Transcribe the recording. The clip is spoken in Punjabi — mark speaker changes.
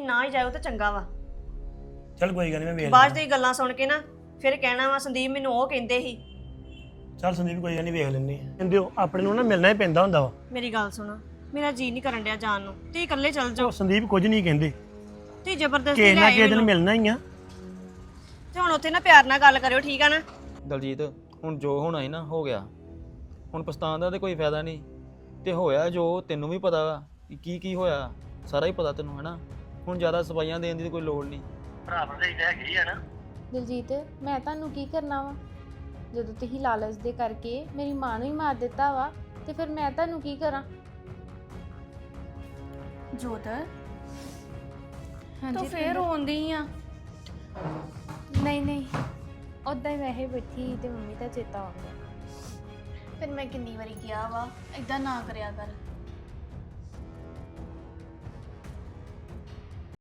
Speaker 1: ਨਾ ਹੀ ਜਾਇਓ ਤਾਂ ਚੰਗਾ ਵਾ।
Speaker 2: ਚੱਲ ਕੋਈ ਗੱਲ ਨਹੀਂ, ਮੈਂ ਵੇਖ
Speaker 1: ਬਾਅਦ
Speaker 2: ਲੈਂਦਾ।
Speaker 1: ਦੀ ਗੱਲਾਂ ਸੁਣ ਕੇ ਨਾ ਫਿਰ ਕਹਿਣਾ ਵਾ ਸੰਦੀਪ ਮੈਨੂੰ ਉਹ ਕਹਿੰਦੇ ਸੀ।
Speaker 2: ਚੱਲ ਸੰਦੀਪ ਕੋਈ ਗੱਲ ਨਹੀਂ, ਵੇਖ ਲੈਂਦੇ ਆ। ਕਹਿੰਦੇ ਹੋ ਆਪਣੇ ਨੂੰ ਨਾ ਮਿਲਣਾ ਹੀ ਪੈਂਦਾ ਹੁੰਦਾ ਵਾ।
Speaker 1: ਮੇਰੀ ਗੱਲ ਸੁਣੋ, ਮੇਰਾ ਜੀ ਨਹੀਂ ਕਰਨ ਡਿਆ ਜਾਣ ਨੂੰ, ਤੁਸੀਂ ਇਕੱਲੇ ਚੱਲ ਜਾਓ।
Speaker 2: ਉਹ ਸੰਦੀਪ ਕੁਝ ਨਹੀਂ ਕਹਿੰਦੇ,
Speaker 1: ਤੁਸੀਂ ਜ਼ਬਰਦਸਤੀ
Speaker 2: ਕਿਸੇ
Speaker 1: ਲੈ
Speaker 2: ਨਾ
Speaker 1: ਆਏ
Speaker 2: ਕਿਸੇ ਦਿਨ
Speaker 1: ਮੈਨੂੰ।
Speaker 2: ਮਿਲਣਾ ਹੀ ਆ।
Speaker 1: ਤੇ ਹੁਣ ਉੱਥੇ ਨਾ ਪਿਆਰ ਨਾਲ ਗੱਲ ਕਰਿਓ, ਠੀਕ ਆ ਨਾ?
Speaker 3: ਦਲਜੀਤ ਹੁਣ ਜੋ ਹੋਣਾ ਸੀ ਨਾ ਹੋ ਗਿਆ, ਹੁਣ ਪਛਤਾਉਣ ਦਾ ਤੇ ਕੋਈ ਫਾਇਦਾ ਨਹੀਂ। ਤੇ ਹੋਇਆ ਜੋ ਤੈਨੂੰ ਵੀ ਪਤਾ ਵਾ ਕਿ ਕੀ ਹੋਇਆ, ਸਾਰਾ ਹੀ ਪਤਾ ਤੈਨੂੰ, ਹੈਨਾ। ਹੁਣ ਜ਼ਿਆਦਾ ਸਫਾਈਆਂ ਦੇਣ ਦੀ ਕੋਈ ਲੋੜ ਨਹੀਂ।
Speaker 2: ਭਰਾ ਭਰਜਾਈ ਤਾਂ ਹੈਗੇ ਹੀ ਆ ਨਾ।
Speaker 4: ਦਲਜੀਤ ਮੈਂ ਤੁਹਾਨੂੰ ਕੀ ਕਰਨਾ ਵਾ? ਜਦੋਂ ਤੁਸੀਂ ਲਾਲਚ ਦੇ ਕਰਕੇ ਮੇਰੀ ਮਾਂ ਨੂੰ ਹੀ ਮਾਰ ਦਿੱਤਾ ਵਾ ਤੇ ਫਿਰ ਮੈਂ ਤੁਹਾਨੂੰ ਕੀ ਕਰਾਂ?
Speaker 5: ਜੋਤ
Speaker 4: ਹਾਂਜੀ
Speaker 5: ਤੂੰ ਫੇਰ ਰੋਂਦੀ ਆ?
Speaker 4: ਨਹੀਂ ਉਦਾਂ ਹੀ ਵੈਸੇ ਬੈਠੀ ਸੀ ਤੇ ਮੰਮੀ ਦਾ ਚੇਤਾ ਆ ਗਿਆ।
Speaker 5: ਫਿਰ ਮੈਂ ਕਿੰਨੀ ਵਾਰੀ ਕਿਹਾ ਵਾ ਏਦਾਂ ਨਾ ਕਰਿਆ ਕਰ।